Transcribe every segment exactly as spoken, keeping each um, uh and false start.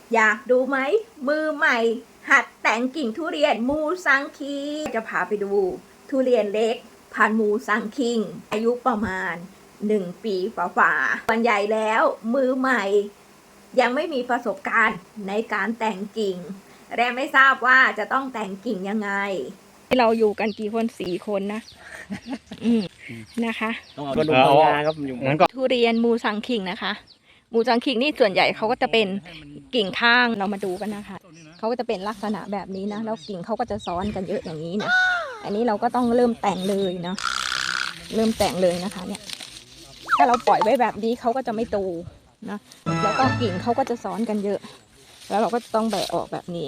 อยากดูไหมมือใหม่หัดแต่งกิ่งทุเรียนมูซังคิงจะพาไปดูทุเรียนเล็กพันธุ์มูซังคิงอายุประมาณหนึ่งปีฝ่าๆส่วนใหญ่แล้วมือใหม่ยังไม่มีประสบการณ์ในการแต่งกิ่งและไม่ทราบว่าจะต้องแต่งกิ่งยังไงเราอยู่กันกี่คนสี่คนนะ อืมนะคะต้องเอากระดูกพังงาครับอยู่งั้นก็ทุเรียนมูซังคิงนะคะมูซังคิงนี่ส่วนใหญ่เขาก็จะเป็นกิ่งข้างเรามาดูกันนะคะเขาก็จะเป็นลักษณะแบบนี้นะแล้วกิ่งเขาก็จะซ้อนกันเยอะอย่างนี้นะอันนี้เราก็ต้องเริ่มแต่งเลยเนาะเริ่มแต่งเลยนะคะเนี่ยถ้าเราปล่อยไว้แบบนี้เขาก็จะไม่โตนะแล้วก็กิ่งเขาก็จะซ้อนกันเยอะแล้วเราก็ต้องแบะออกแบบนี้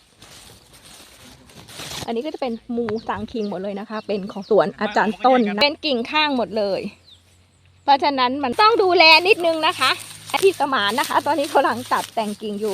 อันนี้ก็จะเป็นมูซังคิงหมดเลยนะคะเป็นของสวนอาจารย์ต้นนะเป็นกิ่งข้างหมดเลยเพราะฉะนั้นมันต้องดูแลนิดนึงนะคะที่สมานนะคะตอนนี้เขากำลังตัดแต่งกิ่งอยู่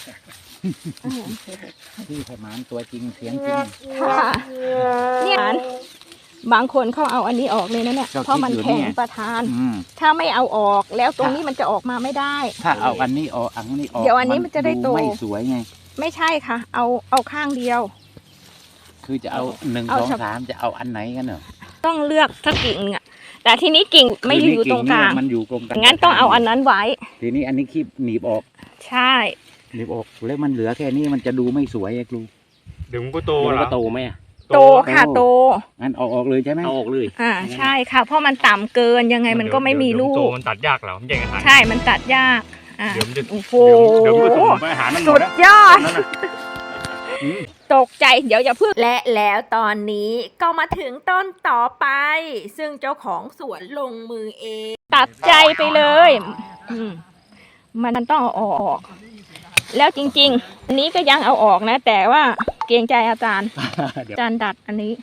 ที่สมานตัวจริงเสียงจริงค่ะเนี่ยบางคนเขาเอาอันนี้ออกเลยนะเนี่ยเพราะมันแข็งประทานถ้าไม่เอาออกแล้วตรงนี้มันจะออกมาไม่ได้ถ้าเอาอันนี้ออกอันนี้ออกเดี๋ยวอันนี้มันจะได้โตไม่สวยไงไม่ใช่ค่ะเอาเอาข้างเดียวคือจะเอาหนึ่งสองสามจะเอาอันไหนกันเนอะต้องเลือกสักกิ่งอ่ะแต่ทีนี้กิ่งไม่อยู่ตรงกลางมันอยู่ตรงกลางงั้นต้องเอาอันนั้นไว้ทีนี้อันนี้คีบหนีบออกใช่หนีบออกแล้วมันเหลือแค่นี้มันจะดูไม่สวยไอ้ครูเดี๋ยวมันก็โตแล้วก็โตไหมโตค่ะโตงั้นเอาออกเลยใช่ไหมเอาออกเลยอ่าใช่ค่ะเพราะมันต่ำเกินยังไงมันก็ไม่มีลูกโตมันตัดยากเหรอมันใหญ่ขนาดใช่มันตัดยากอ่าเดี๋ยวมันจะโอ้โหเดี๋ยวมันก็ส่งไปหามันหมสุดดยอดตกใจเดี๋ยวอย่าพึ่งและแล้วตอนนี้ก็มาถึงต้นต่อไปซึ่งเจ้าของสวนลงมือเองตัดใจไปเลยมันต้องเอาออกแล้วจริงๆอันนี้ก็ยังเอาออกนะแต่ว่าเกรงใจอาจารย์อาจารย์ดัดอันนี้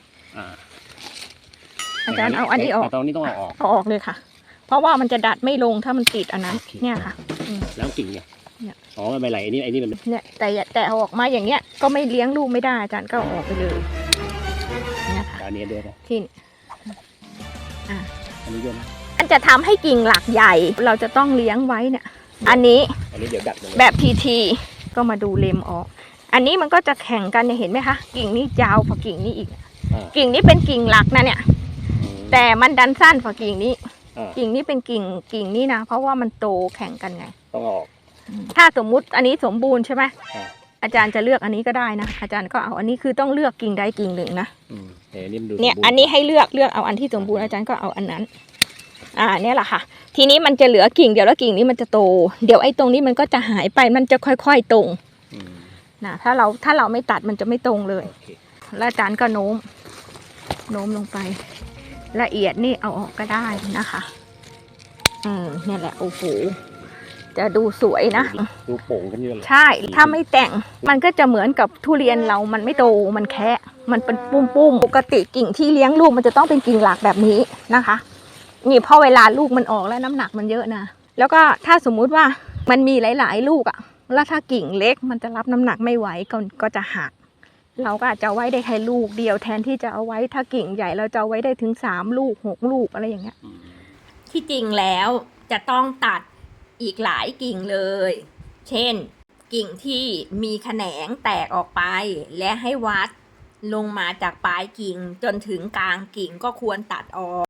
อาจารย์เอาอันนี้ออกตอนนี้ต้องเอาออกเอาออกเลยค่ะเพราะว่ามันจะดัดไม่ลงถ้ามันติดอันนั้นเนี่ยค่ะแล้วกิ่งเนี่ยอ๋อไม่ไหลอันนี้ไอ้นี่มันเนี่ยแต่แต่เอาออกมาอย่างเงี้ยก็ไม่เลี้ยงลูกไม่ได้อาจารย์ก็ออกไปเลยเนี่ยค่ะอันนี้ด้วยนะที่อ่าอันนี้ด้วยนะมันจะทำให้กิ่งหลักใหญ่เราจะต้องเลี้ยงไว้เนี่ยอันนี้อันนี้เดี๋ยวดัดแบบทีทีก็มาดูเล็มออกอันนี้มันก็จะแข่งกันเนี่ยเห็นไหมคะกิ่งนี้ยาวกว่ากิ่งนี้อีกกิ่งนี้เป็นกิ่งหลักนะเนี่ยแต่มันดันสั้นกว่ากิ่งนี้กิ่งนี้เป็นกิ่งกิ่งนี้นะเพราะว่ามันโตแข่งกันไงต้องออกถ้าสมมุติอันนี้สมบูรณ์ใช่ไหมอาจารย์จะเลือกอันนี้ก็ได้นะอาจารย์ก็เอาอันนี้คือต้องเลือกกิ่งใดกิ่งหนึ่งนะเนี่ยอันนี้ให้เลือกเลือกเอาอันที่สมบูรณ์อาจารย์ก็เอาอันนั้นอ่าเนี่ยแหละค่ะทีนี้มันจะเหลือกิ่งเดียวแล้วกิ่งนี้มันจะโตเดี๋ยวไอ้ตรงนี้มันก็จะหายไปมันจะค่อยๆตรงนะถ้าเราถ้าเราไม่ตัดมันจะไม่ตรงเลยแล้วอาจารย์ก็โน้มโน้มลงไปละเอียดนี่เอาออกก็ได้นะคะอืมเนี่ยแหละโอ้โหจะดูสวยนะดูโป่งกันเยอะเลยใช่ถ้าไม่แต่งมันก็จะเหมือนกับทุเรียนเรามันไม่โตมันแคะมันเป็นปุ้มๆปกติกิ่งที่เลี้ยงลูกมันจะต้องเป็นกิ่งหลักแบบนี้นะคะนี่พอเวลาลูกมันออกแล้วน้ำหนักมันเยอะนะแล้วก็ถ้าสมมุติว่ามันมีหลายๆลูกอ่ะแล้วถ้ากิ่งเล็กมันจะรับน้ำหนักไม่ไหวก็ก็จะหักเราก็อาจจะไว้ได้แค่ลูกเดียวแทนที่จะเอาไว้ถ้ากิ่งใหญ่เราจะเอาไว้ได้ถึงสามลูกหกลูกอะไรอย่างเงี้ยที่จริงแล้วจะต้องตัดอีกหลายกิ่งเลยเช่นกิ่งที่มีแขนงแตกออกไปและให้วัดลงมาจากปลายกิ่งจนถึงกลางกิ่งก็ควรตัดออก